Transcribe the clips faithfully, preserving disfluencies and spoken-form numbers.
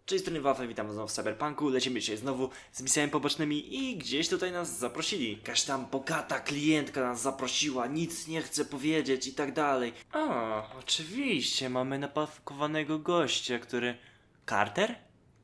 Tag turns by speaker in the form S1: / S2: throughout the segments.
S1: Cześć, strony Wafel, witam znowu w Cyberpunku, lecimy dzisiaj znowu z misjami pobocznymi i gdzieś tutaj nas zaprosili. Jakaś tam bogata klientka nas zaprosiła, nic nie chce powiedzieć i tak dalej. A, oczywiście, mamy napakowanego gościa, który... Carter?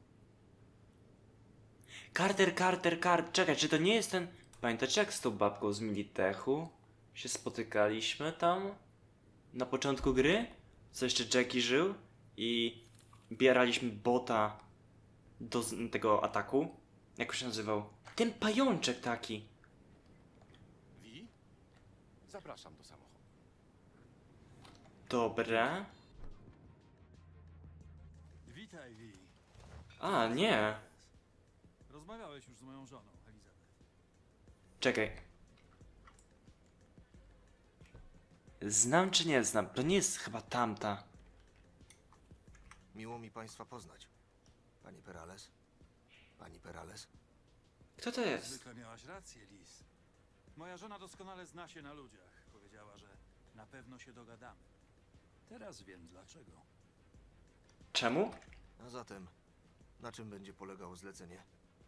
S1: Carter, Carter, Carter, czekaj, czy to nie jest ten... Pamiętacie jak z tą babką z Militechu się spotykaliśmy tam? Na początku gry? Co jeszcze Jackie żył? I... bieraliśmy bota do z- tego ataku. Jak się nazywał? Ten pajączek taki.
S2: Wi? Zapraszam do samochodu.
S1: Dobra.
S3: Witaj, Wi.
S1: A, nie.
S3: Rozmawiałeś już z moją żoną, Elizabeth.
S1: Czekaj. Znam czy nie znam? To nie jest chyba tamta.
S2: Miło mi Państwa poznać. Pani Perales? Pani Perales?
S1: Kto to jest?
S3: Zwykle miałaś rację, Liz. Moja żona doskonale zna się na ludziach. Powiedziała, że na pewno się dogadamy. Teraz wiem dlaczego.
S1: Czemu?
S2: A zatem, na czym będzie polegało zlecenie?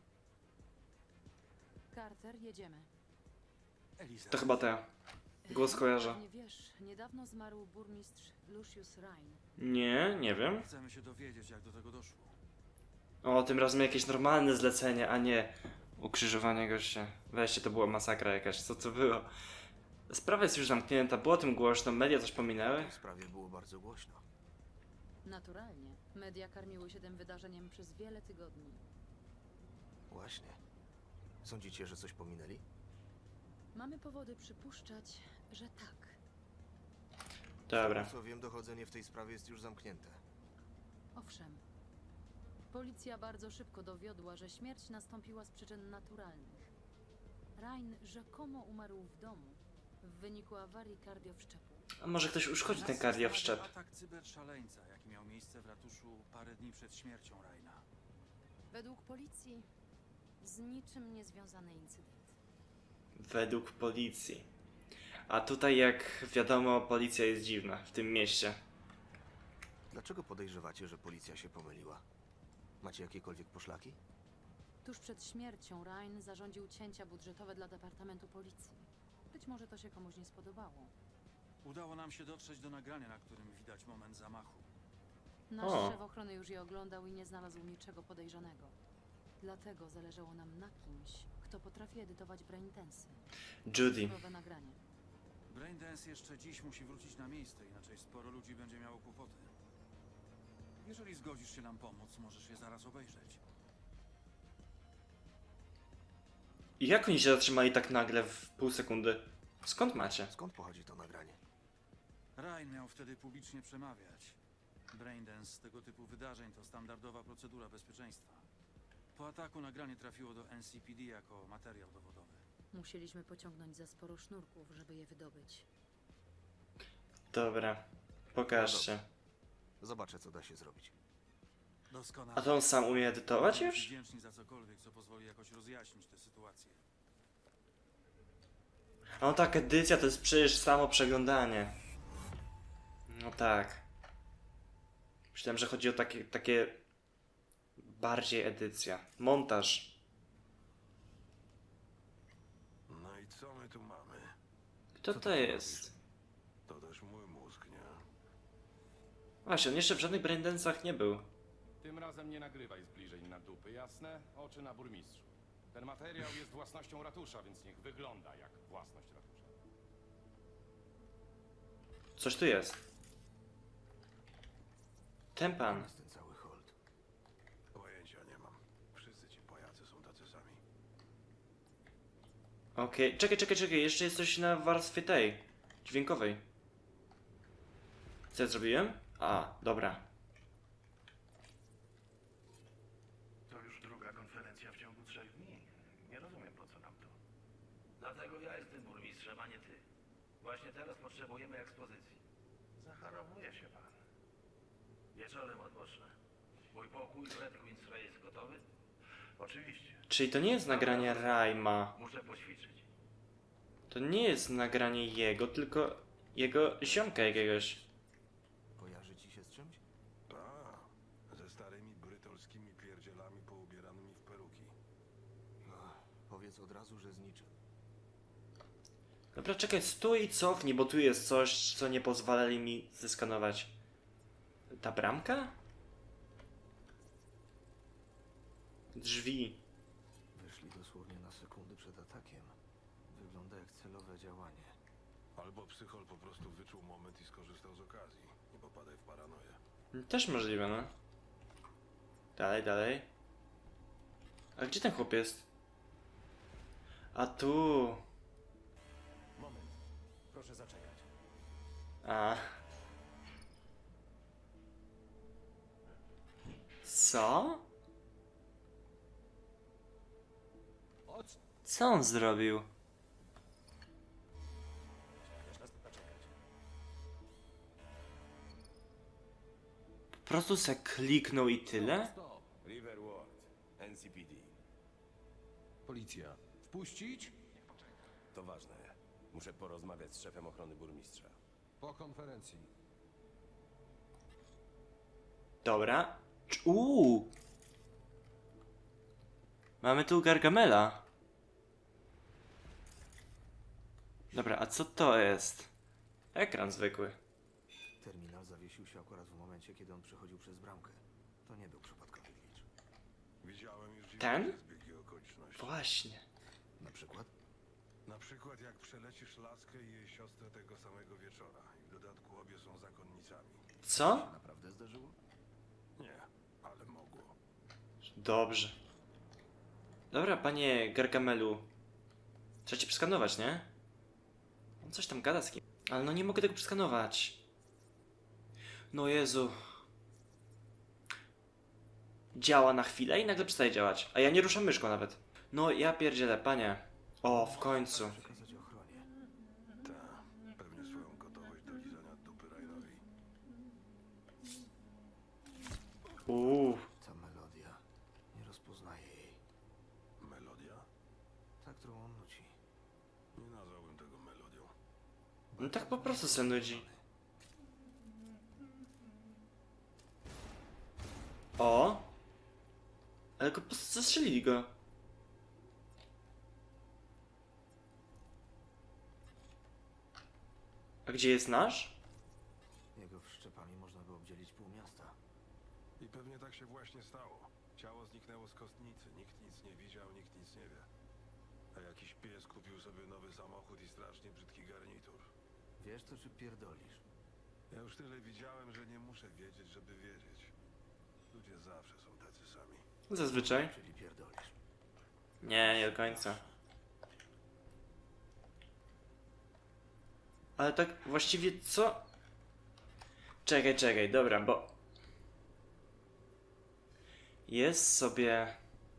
S4: Carter, jedziemy.
S3: Elizabeth.
S1: To chyba ta. Głos kojarzę.
S4: Nie wiesz, niedawno zmarł burmistrz Lucius Rhine.
S1: Nie, nie wiem.
S3: Chcemy się dowiedzieć, jak do tego doszło.
S1: O, tym razem jakieś normalne zlecenie, a nie ukrzyżowanie gościa. Weźcie, to była masakra jakaś. Co to było? Sprawa jest już zamknięta, było o tym głośno, media coś
S2: W
S1: pominęły.
S2: tej sprawie było bardzo głośno.
S4: Naturalnie. Media karmiły się tym wydarzeniem przez wiele tygodni.
S2: Właśnie. Sądzicie, że coś pominęli?
S4: Mamy powody przypuszczać, że tak.
S1: Dobra.
S2: Co wiem, dochodzenie w tej sprawie jest już zamknięte.
S4: Owszem. Policja bardzo szybko dowiodła, że śmierć nastąpiła z przyczyn naturalnych. Rhine rzekomo umarł w domu w wyniku awarii kardiowszczepu.
S1: A może ktoś uszkodzi ten
S3: Nas
S1: kardiowszczep?
S3: zastanawia atak cyberszaleńca, jaki miał miejsce w ratuszu parę dni przed śmiercią Raina.
S4: Według policji z niczym niezwiązany incydent.
S1: Według policji. A tutaj, jak wiadomo, policja jest dziwna w tym mieście.
S2: Dlaczego podejrzewacie, że policja się pomyliła? Macie jakiekolwiek poszlaki?
S4: Tuż przed śmiercią Rhine zarządził cięcia budżetowe dla Departamentu Policji. Być może to się komuś nie spodobało.
S3: Udało nam się dotrzeć do nagrania, na którym widać moment zamachu.
S4: Nasz
S1: O.
S4: szef ochrony już je oglądał i nie znalazł niczego podejrzanego. Dlatego zależało nam na kimś, kto potrafi edytować braintensy.
S1: Judy.
S4: Nowe nagranie.
S3: Braindance jeszcze dziś musi wrócić na miejsce, inaczej sporo ludzi będzie miało kłopoty. Jeżeli zgodzisz się nam pomóc, możesz je zaraz obejrzeć.
S1: I jak oni się zatrzymali tak nagle w pół sekundy? Skąd macie?
S2: Skąd pochodzi to nagranie?
S3: Ryan miał wtedy publicznie przemawiać. Braindance tego typu wydarzeń to standardowa procedura bezpieczeństwa. Po ataku nagranie trafiło do N C P D jako materiał dowodowy.
S4: Musieliśmy pociągnąć za sporo sznurków, żeby je wydobyć.
S1: Dobra. Pokażcie.
S2: Zobaczę, co da się zrobić.
S3: Doskonale.
S1: A to on sam umie edytować już?
S3: Wdzięczni za cokolwiek, co pozwoli jakoś rozjaśnić tę sytuację.
S1: A no tak, edycja to jest przecież samo przeglądanie. No tak. Myślałem, że chodzi o takie, takie bardziej edycja. Montaż.
S5: No i co my tu mamy?
S1: Kto to jest?
S5: To też mój mózg, nie?
S1: Właśnie, on jeszcze w żadnych braindensach nie był.
S6: Tym razem nie nagrywaj zbliżeń na dupy, jasne? Oczy na burmistrzu. Ten materiał jest własnością ratusza, więc niech wygląda jak własność ratusza.
S1: Coś tu jest. Ten pan.
S2: Jest ten cały hold.
S5: Pojęcia nie mam. Wszyscy ci pajacy są tacy sami.
S1: Okej, czekaj, czekaj, czekaj, jeszcze jest coś na warstwie tej, dźwiękowej. Co ja zrobiłem? A, dobra.
S7: To już druga konferencja w ciągu trzech dni. Nie rozumiem, po co nam to. Dlatego ja jestem burmistrzem, a nie ty. Właśnie teraz potrzebujemy ekspozycji. Zacharowuje się pan. Wieczorem odpocznę. Mój pokój w Red Queen's Ray jest gotowy? Oczywiście.
S1: Czyli to nie jest nagranie Raima.
S7: Muszę poćwiczyć.
S1: To nie jest nagranie jego, tylko jego ziomka jakiegoś.
S2: Kojarzy ci się z czymś?
S5: A, ze starymi brytolskimi
S2: powiedz od razu, że z niczym.
S1: Dobra, czekaj, stój i cofnij, bo tu jest coś, co nie pozwalali mi zeskanować. Ta bramka? Drzwi.
S2: Wyszli dosłownie na sekundy przed atakiem. Wygląda jak celowe działanie.
S5: Albo psychol po prostu wyczuł moment i skorzystał z okazji. Nie popadaj w paranoję.
S1: Też możliwe, no. Dalej, dalej. A gdzie ten chłop jest? A tu.
S8: Moment. Proszę zaczekać.
S1: A. Co?
S8: Chodź.
S1: Co on zrobił?
S8: Chcesz nas zaczekać.
S1: Po prostu se kliknął i tyle?
S8: Stop.
S9: River Ward, N C P D.
S8: Policja. Wpuścić?
S9: To ważne. Muszę porozmawiać z szefem ochrony burmistrza.
S8: Po konferencji.
S1: Dobra. Uuu. Mamy tu Gargamela. Dobra, a co to jest? Ekran zwykły.
S2: Terminal zawiesił się akurat w momencie, kiedy on przechodził przez bramkę. To nie był przypadkowy glitch.
S5: Widziałem już
S1: Ten?
S5: dziwne zbiegi okoliczności.
S1: Właśnie.
S2: Na przykład?
S5: Na przykład jak przelecisz laskę i jej siostrę tego samego wieczora. I w dodatku obie są zakonnicami.
S1: Co?
S2: To naprawdę zdarzyło?
S5: Nie, ale mogło.
S1: Dobrze. Dobra, panie Gargamelu. Trzeba cię przeskanować, nie? On coś tam gada z kim. Ale no nie mogę tego przeskanować. No Jezu. Działa na chwilę i nagle przestaje działać. A ja nie ruszam myszką nawet. No ja pierdzielę, panie. O, w końcu.
S2: Przekazać ochronie.
S5: Ta, pewnie swoją gotowość do lizania dupy Rainowi.
S1: Uuu.
S2: Ta melodia. Nie rozpoznaję jej.
S5: Melodia?
S2: Ta, którą on nuci.
S5: Nie nazwałbym tego melodią.
S1: No tak po prostu se nudzi. O! Ale go po prostu zastrzelili go. A gdzie jest nasz?
S2: Jego wszczepami można by obdzielić pół miasta.
S5: I pewnie tak się właśnie stało. Ciało zniknęło z kostnicy. Nikt nic nie widział, nikt nic nie wie. A jakiś pies kupił sobie nowy samochód i strasznie brzydki garnitur.
S2: Wiesz to, czy pierdolisz?
S5: Ja już tyle widziałem, że nie muszę wiedzieć, żeby wiedzieć. Ludzie zawsze są tacy sami.
S1: Zazwyczaj.
S2: Czyli pierdolisz.
S1: Nie, nie do końca. Ale tak właściwie co? Czekaj, czekaj, dobra, bo... Jest sobie...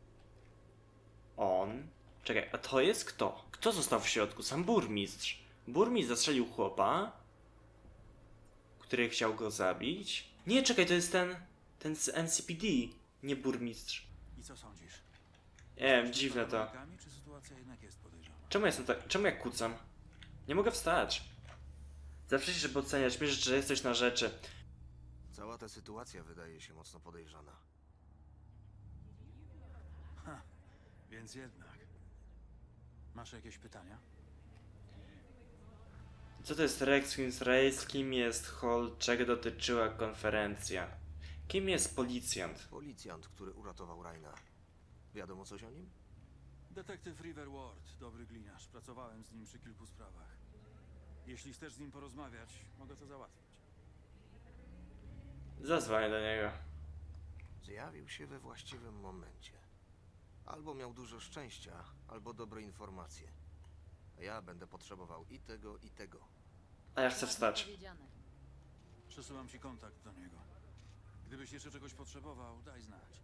S1: On... Czekaj, a to jest kto? Kto został w środku? Sam burmistrz. Burmistrz zastrzelił chłopa, który chciał go zabić. Nie, czekaj, to jest ten... Ten z N C P D, nie burmistrz.
S3: I co sądzisz?
S1: Nie wiem, dziwne to.
S3: Rękami, czy sytuacja jednak jest podejrzana?
S1: Czemu jestem tak... Czemu jak kucam? Nie mogę wstać. Zawsze się, żeby oceniać mnie, że jesteś na rzeczy.
S2: Cała ta sytuacja wydaje się mocno podejrzana.
S3: Więc jednak. Masz jakieś pytania?
S1: Co to jest Rex Queen's Race? Kim jest Hall? Czego dotyczyła konferencja? Kim jest policjant?
S2: Policjant, który uratował Raina. Wiadomo coś o nim?
S3: Detektyw River Ward, dobry gliniarz. Pracowałem z nim przy kilku sprawach. Jeśli chcesz z nim porozmawiać, mogę to załatwić.
S1: Zadzwonię do niego.
S2: Zjawił się we właściwym momencie. Albo miał dużo szczęścia, albo dobre informacje. A ja będę potrzebował i tego, i tego.
S1: A ja chcę wstać.
S4: Powiedziane.
S3: Przesyłam ci kontakt do niego. Gdybyś jeszcze czegoś potrzebował, daj znać.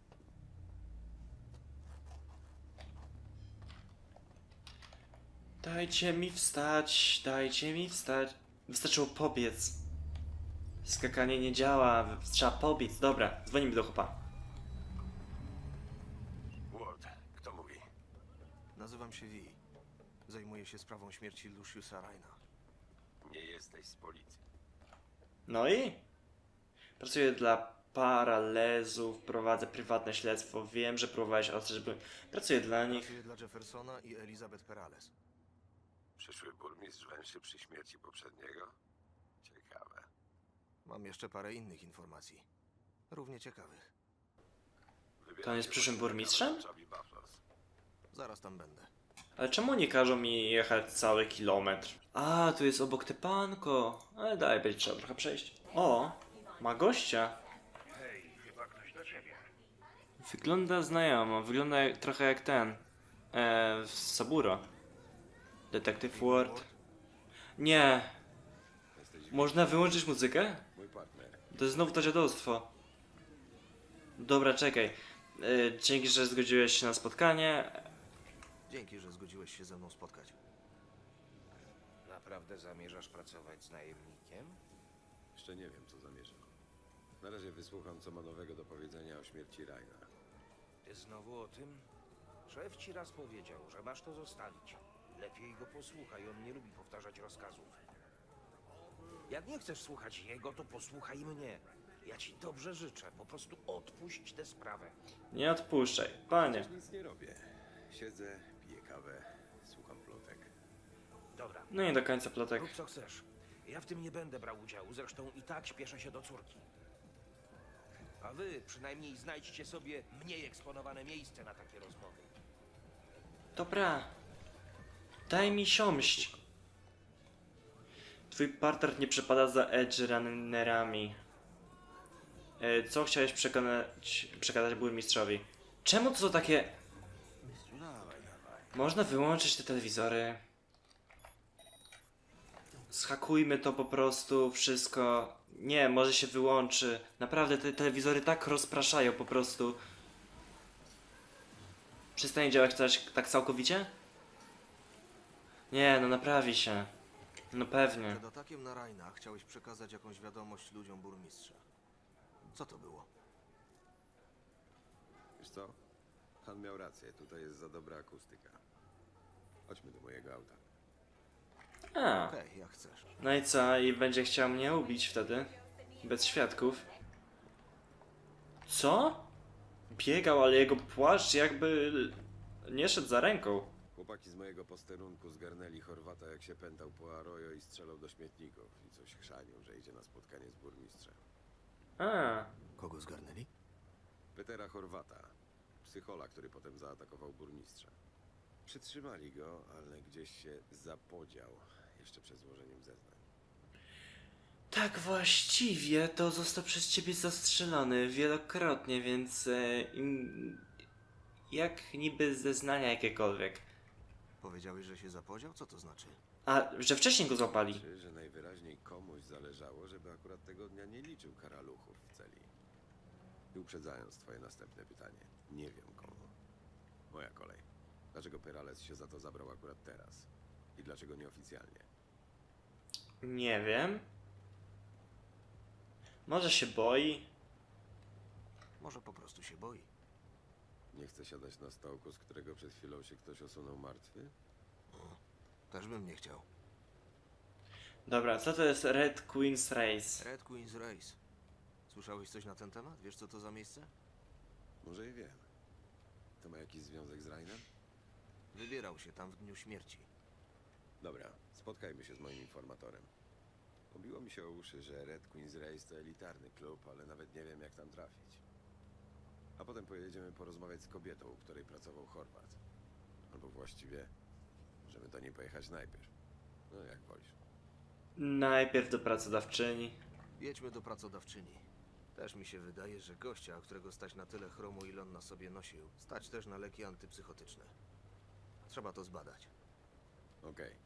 S1: Dajcie mi wstać, dajcie mi wstać. Wystarczyło pobiec. Skakanie nie działa, trzeba pobiec. Dobra, dzwonimy do chłopa.
S5: Ward, kto mówi?
S2: Nazywam się Vi. Zajmuję się sprawą śmierci Luciusa Raina.
S9: Nie jesteś z policji.
S1: No i? Pracuję dla Paralezów, prowadzę prywatne śledztwo. Wiem, że próbowałeś ostać, żeby... Pracuję dla nich.
S2: Pracuję dla Jeffersona i Elizabeth Perales.
S9: Przyszły burmistrz węszy przy śmierci poprzedniego? Ciekawe.
S2: Mam jeszcze parę innych informacji. Równie ciekawych.
S1: To on jest przyszłym burmistrzem?
S2: Zaraz tam będę.
S1: Ale czemu nie każą mi jechać cały kilometr? A, tu jest obok tepanko. Ale daj, będzie trzeba trochę przejść. O, ma gościa.
S7: Hej, chyba ktoś do ciebie.
S1: Wygląda znajomo, wygląda jak, trochę jak ten. E, z Saburo. Detective Ward. Nie. Można wyłączyć muzykę?
S9: Mój partner.
S1: To jest znowu to dziadostwo. Dobra, czekaj. E, dzięki, że zgodziłeś się na spotkanie.
S2: Dzięki, że zgodziłeś się ze mną spotkać.
S10: Naprawdę zamierzasz pracować z najemnikiem?
S9: Jeszcze nie wiem, co zamierzam. Na razie wysłucham, co ma nowego do powiedzenia o śmierci Raina.
S10: Ty znowu o tym? Szef ci raz powiedział, że masz to zostawić. Lepiej go posłuchaj, on nie lubi powtarzać rozkazów. Jak nie chcesz słuchać jego, to posłuchaj mnie. Ja ci dobrze życzę, po prostu odpuść tę sprawę.
S1: Nie odpuszczaj, panie.
S9: Przecież nic nie robię. Siedzę, piję kawę, słucham plotek.
S10: Dobra,
S1: No nie do końca plotek.
S10: rób co chcesz. Ja w tym nie będę brał udziału, zresztą i tak śpieszę się do córki. A wy przynajmniej znajdźcie sobie mniej eksponowane miejsce na takie rozmowy.
S1: Dobra. Daj mi siąść. Twój partner nie przepada za edge runnerami. E, co chciałeś przekonać, przekazać burmistrzowi? Czemu to są takie... Można wyłączyć te telewizory. Schakujmy to po prostu, wszystko. Nie, może się wyłączy. Naprawdę te telewizory tak rozpraszają po prostu. Przestanie działać coś tak całkowicie? Nie, no naprawi się. No pewnie.
S2: Przed atakiem na Raina chciałeś przekazać jakąś wiadomość ludziom burmistrza. Co to było?
S9: Wiesz co? Han miał rację, tutaj jest za dobra akustyka. Chodźmy do mojego auta.
S1: A,
S2: Okej, jak chcesz.
S1: no i co? I będzie chciał mnie ubić wtedy? Bez świadków. Co? Biegał, ale jego płaszcz jakby nie szedł za ręką.
S9: Chłopaki z mojego posterunku zgarnęli Chorwata, jak się pętał po Arroyo i strzelał do śmietników. I coś chrzanił, że idzie na spotkanie z burmistrzem.
S1: A,
S2: Kogo zgarnęli?
S9: Petera Chorwata, psychola, który potem zaatakował burmistrza. Przytrzymali go, ale gdzieś się zapodział, jeszcze przed złożeniem zeznań.
S1: tak właściwie to został przez ciebie zastrzelony wielokrotnie, więc e, im, jak niby zeznania jakiekolwiek.
S2: Powiedziałeś, że się zapodział? Co to znaczy?
S1: A, że wcześniej go złapali.
S9: Znaczy, że najwyraźniej komuś zależało, żeby akurat tego dnia nie liczył karaluchów w celi. I uprzedzając twoje następne pytanie, nie wiem komu. Moja kolej. Dlaczego Perales się za to zabrał akurat teraz? I dlaczego nieoficjalnie?
S1: Nie wiem. Może się boi?
S2: Może po prostu się boi.
S9: Nie chce siadać na stołku, z którego przed chwilą się ktoś osunął martwy?
S2: Też bym nie chciał.
S1: Dobra, co to jest Red Queen's Race?
S2: Red Queen's Race. Słyszałeś coś na ten temat? Wiesz, co to za miejsce?
S9: Może i wiem. To ma jakiś związek z Rainem?
S2: Wybierał się tam w dniu śmierci.
S9: Dobra, spotkajmy się z moim informatorem. Obiło mi się o uszy, że Red Queen's Race to elitarny klub, ale nawet nie wiem, jak tam trafić. A potem pojedziemy porozmawiać z kobietą, u której pracował Chorwat. Albo właściwie możemy do niej pojechać najpierw. No jak wolisz.
S1: Najpierw do pracodawczyni.
S2: Jedźmy do pracodawczyni. Też mi się wydaje, że gościa, którego stać na tyle chromu, ile on na sobie nosił, stać też na leki antypsychotyczne. Trzeba to zbadać.
S9: Okej.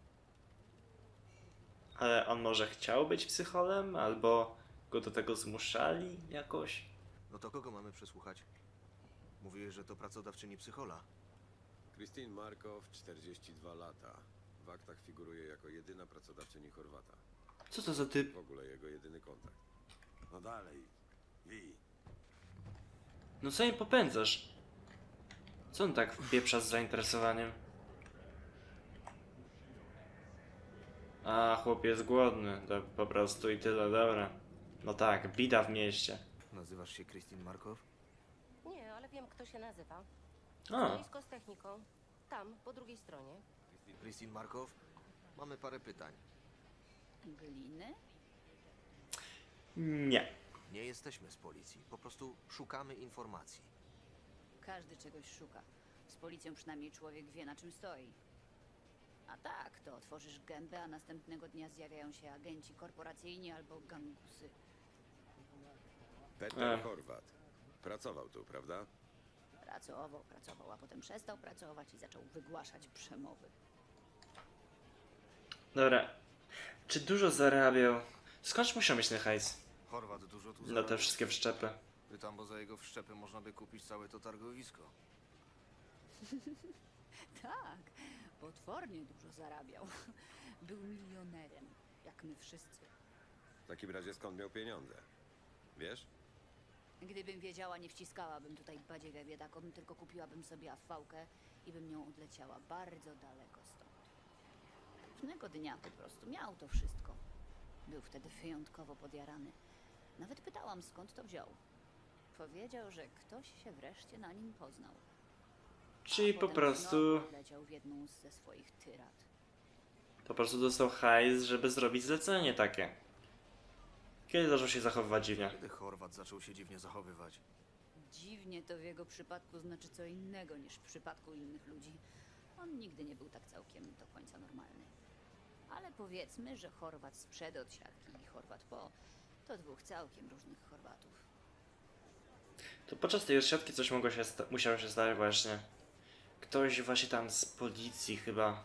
S1: Ale on może chciał być psycholem? Albo go do tego zmuszali jakoś?
S2: No to kogo mamy przesłuchać? Mówiłeś, że to pracodawczyni psychola.
S9: Christine Markow, czterdzieści dwa lata. W aktach figuruje jako jedyna pracodawczyni Chorwata.
S1: Co to za typ?
S9: W ogóle jego jedyny kontakt. No dalej. Wi.
S1: No co im popędzasz? Co on tak wpieprza z zainteresowaniem? A, chłop jest głodny. To po prostu i tyle, dobra. No tak, bida w mieście.
S2: Nazywasz się Christine Markow?
S11: Nie, ale wiem, kto się nazywa.
S1: A,
S11: Boisko z techniką. Tam, po drugiej stronie.
S2: Christine Markow? Mamy parę pytań.
S12: Gliny?
S1: nie.
S2: Nie jesteśmy z policji, po prostu szukamy informacji.
S12: Każdy czegoś szuka. Z policją przynajmniej człowiek wie, na czym stoi. A tak, to otworzysz gębę, a następnego dnia zjawiają się agenci korporacyjni albo gangusy.
S9: Peter
S1: Ech.
S9: Horvat. Pracował tu, prawda?
S12: Pracował, pracował, a potem przestał pracować i zaczął wygłaszać przemowy.
S1: Dobra. Czy dużo zarabiał? Skądś musiał mieć ten hajs?
S2: Chorwat dużo tu
S1: Na te
S2: zarobił.
S1: wszystkie wszczepy.
S2: Pytam, bo za jego wszczepy można by kupić całe to targowisko.
S12: Tak, potwornie dużo zarabiał. Był milionerem, jak my wszyscy.
S9: W takim razie skąd miał pieniądze? Wiesz?
S12: Gdybym wiedziała, nie wciskałabym tutaj badziewia biedakom, tylko kupiłabym sobie afałkę i bym nią odleciała bardzo daleko stąd. Pewnego dnia po prostu miał to wszystko. Był wtedy wyjątkowo podjarany. Nawet pytałam, skąd to wziął. Powiedział, że ktoś się wreszcie na nim poznał.
S1: Czyli
S12: A
S1: po
S12: potem
S1: prostu...
S12: znowu wleciał w jedną ze swoich tyrad.
S1: Po prostu dostał hajs, żeby zrobić zlecenie takie. Kiedy zaczął się zachowywać dziwnie?
S2: Kiedy Chorwat zaczął się dziwnie zachowywać?
S12: Dziwnie to w jego przypadku znaczy co innego niż w przypadku innych ludzi. On nigdy nie był tak całkiem do końca normalny. Ale powiedzmy, że Chorwat sprzed od siatki i Chorwat po to dwóch całkiem różnych Chorwatów.
S1: To podczas tej odsiadki coś mogło się sta- musiało się stać właśnie. Ktoś właśnie tam z policji chyba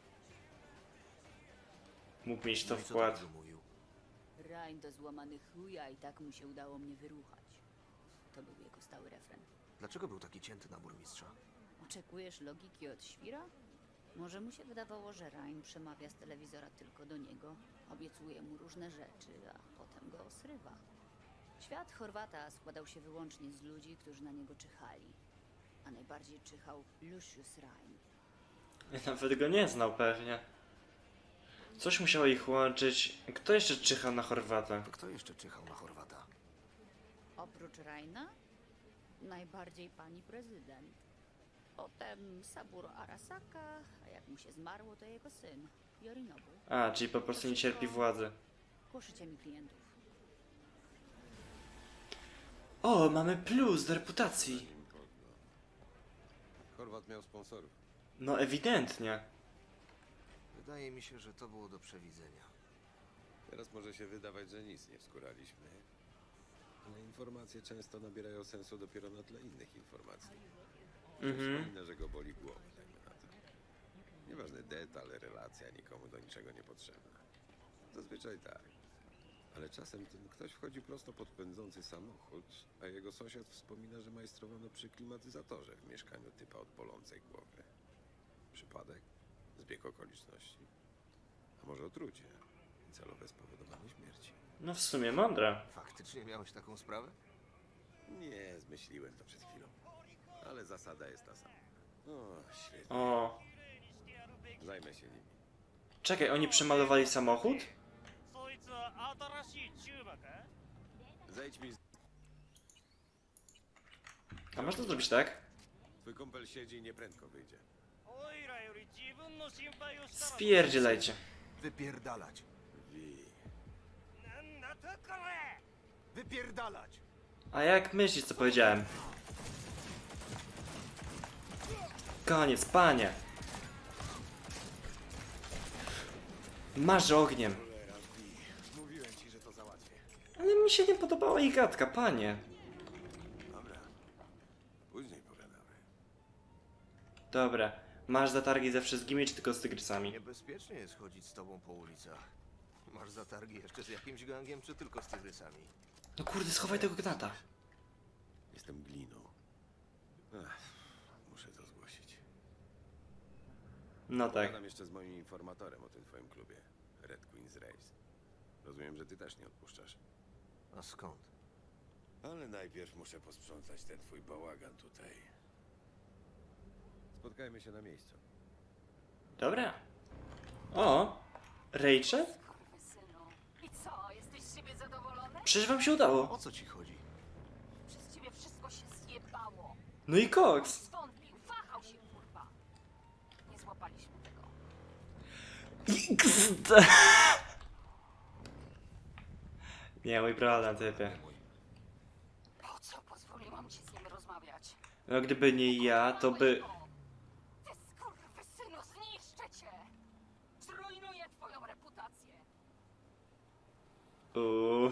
S1: mógł mieć to
S2: No i co
S1: wkład.
S2: takiego mówił?
S12: Rain do złamany chuja i tak mu się udało mnie wyruchać. To był jego stały refren.
S2: Dlaczego był taki cięty na burmistrza?
S12: Oczekujesz logiki od świra? Może mu się wydawało, że Rain przemawia z telewizora tylko do niego, obiecuje mu różne rzeczy, a potem go osrywa. Świat Chorwata składał się wyłącznie z ludzi, którzy na niego czyhali. A najbardziej czyhał Lucius Rain.
S1: Nawet go nie znał pewnie. Coś musiało ich łączyć. Kto jeszcze czyhał na Chorwata?
S2: To kto jeszcze czyhał na Chorwata?
S12: Oprócz Raina, najbardziej pani prezydent. Potem Saburo Arasaka, a jak mu się zmarło, to jego syn, Yorinobu.
S1: A, czyli po prostu nie cierpi władzy.
S12: Głoszycie mi klientów.
S1: O, mamy plus do reputacji.
S9: Horvat miał sponsorów.
S1: No ewidentnie.
S2: Wydaje mi się, że to było do przewidzenia.
S9: Teraz może się wydawać, że nic nie wskuraliśmy. Ale informacje często nabierają sensu dopiero na tle innych informacji.
S1: Mhm.
S9: Wspominę, że go boli głowa, dajmy na to. Nieważny detal, relacja nikomu do niczego nie potrzebna. Zazwyczaj tak. Ale czasem ten ktoś wchodzi prosto pod pędzący samochód, a jego sąsiad wspomina, że majstrowano przy klimatyzatorze w mieszkaniu typa od bolącej głowy. Przypadek? Zbieg okoliczności? A może otrucie? I celowe spowodowanie śmierci?
S1: No w sumie mądre.
S2: Faktycznie miałeś taką sprawę?
S9: Nie, zmyśliłem to przed chwilą. Ale zasada jest ta sama. O, świetnie.
S1: O,
S9: Zajmę się nimi.
S1: czekaj, oni przemalowali samochód?
S9: Zejdź mi z...
S1: A można zrobić tak?
S9: Twój kumpel siedzi i nieprędko wyjdzie.
S1: Spierdzielajcie.
S2: Wypierdalać!
S9: Wi.
S2: Wypierdalać!
S1: A jak myślisz, co powiedziałem? Koniec, panie. Masz ogniem.
S9: Cholera, Wi. Mówiłem ci, że to załatwię.
S1: Ale mi się nie podobała jej gadka, panie.
S9: Dobra. Później pogadamy.
S1: Dobra, masz zatargi ze wszystkimi, czy tylko z tygrysami?
S2: Niebezpiecznie jest chodzić z tobą po ulicach. Masz zatargi jeszcze z jakimś gangiem, czy tylko z tygrysami?
S1: No kurde, schowaj tego gnata.
S9: Jestem gliną. Ach, muszę to zgłosić.
S1: No tak.
S9: Pogadam jeszcze z moim informatorem o tym twoim klubie. Red Queen's Race. Rozumiem, że ty też nie odpuszczasz.
S2: A skąd?
S9: Ale najpierw muszę posprzątać ten twój bałagan tutaj. Spotkajmy się na miejscu.
S1: Dobra. O, Rachel?
S12: I co, jesteś z siebie zadowolony?
S1: Przecież wam się udało.
S2: O co ci chodzi?
S1: No i koks.
S13: Zwątpił, wahał się, kurwa. Nie złapaliśmy tego.
S1: X Nie, mój problem, typie.
S13: Po co pozwoliłam ci z nim rozmawiać?
S1: No gdyby nie ja, to by...
S13: Ty skurwysynu, zniszczę cię! Zrujnuję twoją reputację!
S1: Uuu.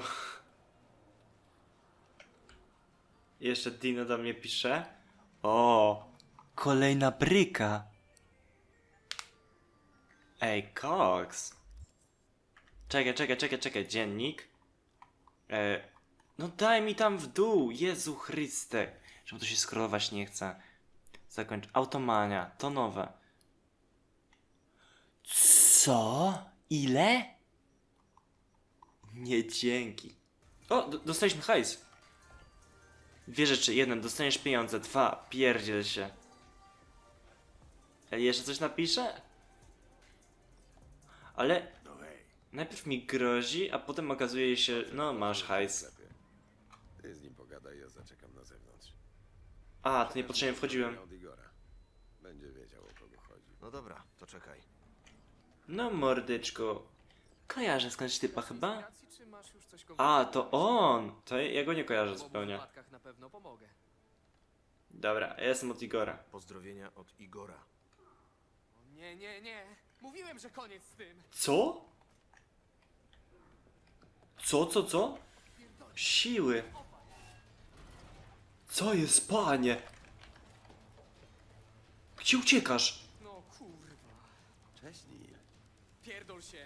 S1: Jeszcze Dino do mnie pisze. O, kolejna bryka. Ej, koks. Czekaj, czekaj, czekaj, czekaj, dziennik. E, no daj mi tam w dół, Jezu Chryste. Czemu to się scrollować nie chce? Zakończ. Automania, to nowe. Co? Ile? Nie dzięki. O, d- dostaliśmy hajs. Dwie rzeczy. Jeden, dostaniesz pieniądze. Dwa, pierdziel się. Ej, jeszcze coś napisze? Ale najpierw mi grozi, a potem okazuje się, no masz hajs.
S9: Ty z nim pogadaj, ja zaczekam na zewnątrz.
S1: A, to niepotrzebnie wchodziłem.
S9: Od Igora. Będzie wiedział, o kogo chodzi.
S2: No dobra, to czekaj.
S1: No mordyczko. Kojarzę skądś typa chyba?
S14: Czy masz już coś
S1: A, to on! To ja go nie kojarzę
S14: W obu
S1: zupełnie.
S14: wypadkach na pewno pomogę.
S1: Dobra, ja jestem od Igora.
S2: Pozdrowienia od Igora.
S14: O, nie, nie, nie. Mówiłem, że koniec z tym.
S1: Co? Co, co, co? Siły. Co jest, panie? Gdzie uciekasz?
S14: No kurwa.
S9: Cześć, Neil.
S14: Pierdol się.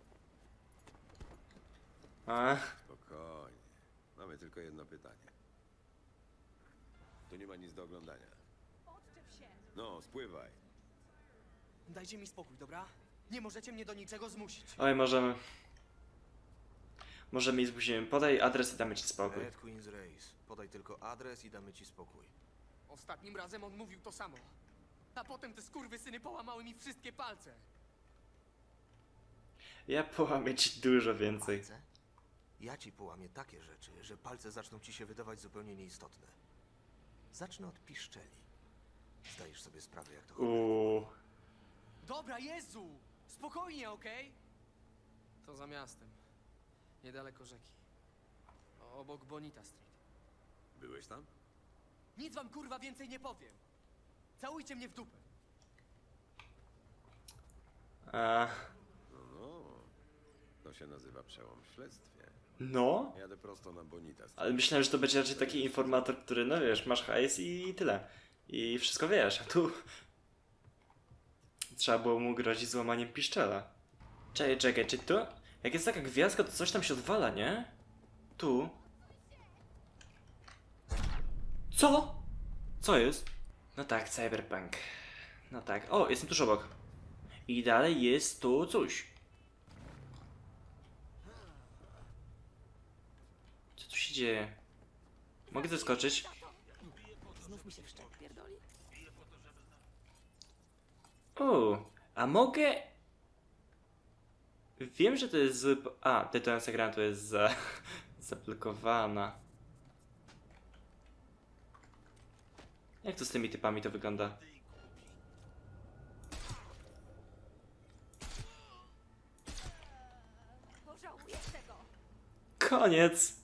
S1: A,
S9: Spokojnie. Mamy tylko jedno pytanie. Tu nie ma nic do oglądania. No, spływaj.
S14: Dajcie mi spokój, dobra? Nie możecie mnie do niczego zmusić.
S1: oj, możemy. Możemy i zmusimy. Podaj adres i damy ci spokój.
S2: Red Queen's Race. Podaj tylko adres i damy ci spokój.
S14: Ostatnim razem on mówił to samo. A potem te skurwysyny połamały mi wszystkie palce.
S1: Ja połamię ci dużo więcej.
S2: Palce? Ja ci połamię takie rzeczy, że palce zaczną ci się wydawać zupełnie nieistotne. Zacznę od piszczeli. Zdajesz sobie sprawę, jak to chodzi?
S1: Uuu.
S14: Dobra, Jezu! Spokojnie, okej? To za miastem. Niedaleko rzeki. Obok Bonita Street.
S9: Byłeś tam?
S14: Nic wam kurwa więcej nie powiem. Całujcie mnie w dupę.
S1: A,
S9: No, no. To się nazywa przełom w śledztwie.
S1: no?
S9: Jadę prosto na Bonita Street.
S1: Ale myślałem, że to będzie raczej taki informator, który, no wiesz, masz hajs i tyle. I wszystko wiesz, a tu... Trzeba było mu grozić złamaniem piszczela. Czekaj, czekaj, czy tu? Jak jest taka gwiazdka, to coś tam się odwala, nie? Tu. Co? Co jest? No tak, cyberpunk. No tak. O, jestem tuż obok. I dalej jest tu coś. Co tu się dzieje? Mogę zeskoczyć?
S13: Znów mi się wszczep pierdoli?
S1: O, a mogę... Wiem, że to jest zły... po- A, detonacja granatu jest za... zablokowana. Jak to z tymi typami to wygląda?
S13: Pożałujesz tego!
S1: Koniec!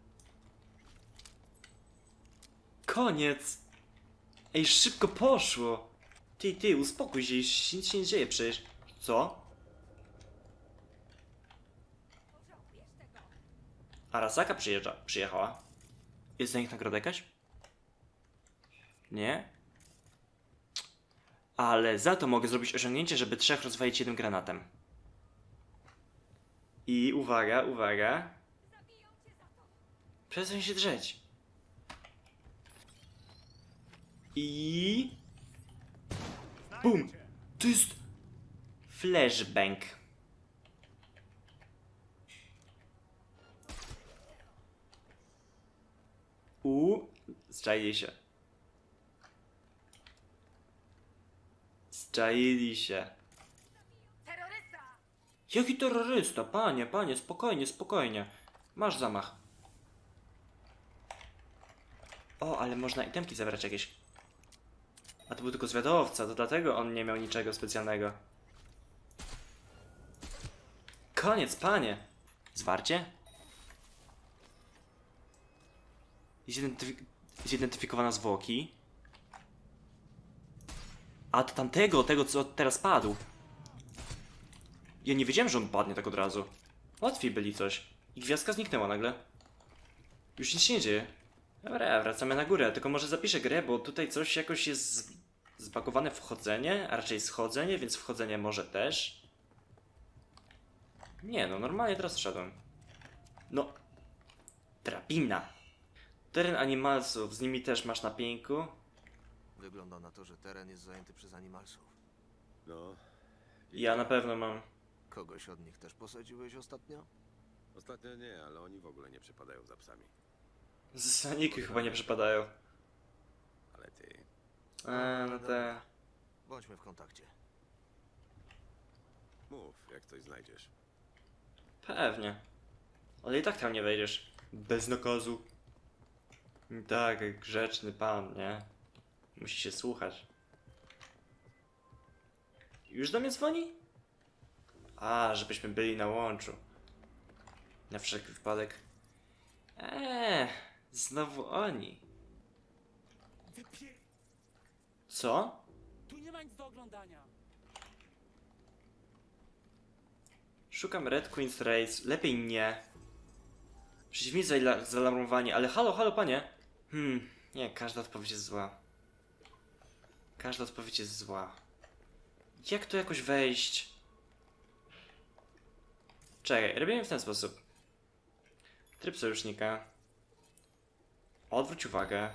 S1: Koniec! Ej, szybko poszło! Ty, ty, uspokój się, już nic się nie dzieje przecież. Co?
S13: Pożałujesz tego!
S1: Arasaka przyjeżdża, przyjechała. Jest za nich nagroda jakaś? Nie? Ale za to mogę zrobić osiągnięcie, żeby trzech rozwalić jednym granatem. I uwaga, uwaga. Przestań się drzeć. I... Bum! To jest... Flashbang. U, zczaili się. Zczaili się.
S13: Terrorysta!
S1: Jaki terrorysta? Panie, panie, spokojnie, spokojnie. Masz zamach. O, ale można itemki zabrać jakieś. A to był tylko zwiadowca, to dlatego on nie miał niczego specjalnego. Koniec, panie! Zwarcie? Zidentyfik zidentyfikowana zwłoki. A to tamtego, tego co teraz padł. Ja nie wiedziałem, że on padnie tak od razu. Łatwiej byli coś. I gwiazdka zniknęła nagle. Już nic się nie dzieje. Dobra, wracamy na górę. Tylko może zapiszę grę, bo tutaj coś jakoś jest zbagowane wchodzenie, a raczej schodzenie, więc wchodzenie może też. Nie no, normalnie teraz wszedłem. No. Drabina. Teren animalsów, z nimi też masz na pieńku.
S2: Wygląda na to, że teren jest zajęty przez animalsów.
S9: No.
S1: Ja na pewno mam.
S2: Kogoś od nich też posadziłeś ostatnio?
S9: Ostatnio nie, ale oni w ogóle nie przepadają za psami.
S1: Zaniki chyba nie przypadają.
S9: Ale ty...
S1: Eee, no te...
S2: Bądźmy w kontakcie.
S9: Mów, jak coś znajdziesz.
S1: Pewnie. Ale i tak tam nie wejdziesz. Bez nakazu. Tak, grzeczny pan, nie? Musi się słuchać. Już do mnie dzwoni? A, żebyśmy byli na łączu. Na wszelki wypadek. Eee, znowu oni.
S14: Wypie...
S1: Co?
S14: Tu nie ma nic do oglądania.
S1: Szukam Red Queen's Race. Lepiej nie. Przeciwnicy zala- zaalarmowani, ale halo, halo panie. Hmm, nie, każda odpowiedź jest zła. Każda odpowiedź jest zła. Jak tu jakoś wejść? Czekaj, robimy w ten sposób. Tryb sojusznika. Odwróć uwagę.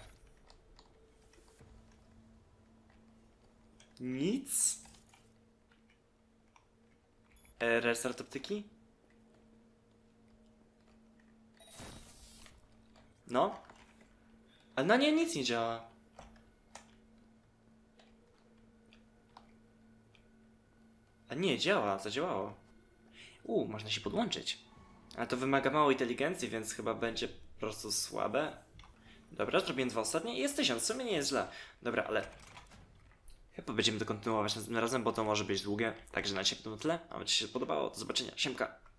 S1: Nic? E, restart optyki? No? Ale na nie nic nie działa. A nie, działa, zadziałało. U, można się podłączyć. Ale to wymaga małej inteligencji, więc chyba będzie po prostu słabe. Dobra, zrobiłem dwa ostatnie i jest tysiąc, w sumie nie jest źle. Dobra, ale... Chyba będziemy to kontynuować następnym razem, bo to może być długie. Także na dzisiaj to tyle. A jeśli się podobało, do zobaczenia. Siemka.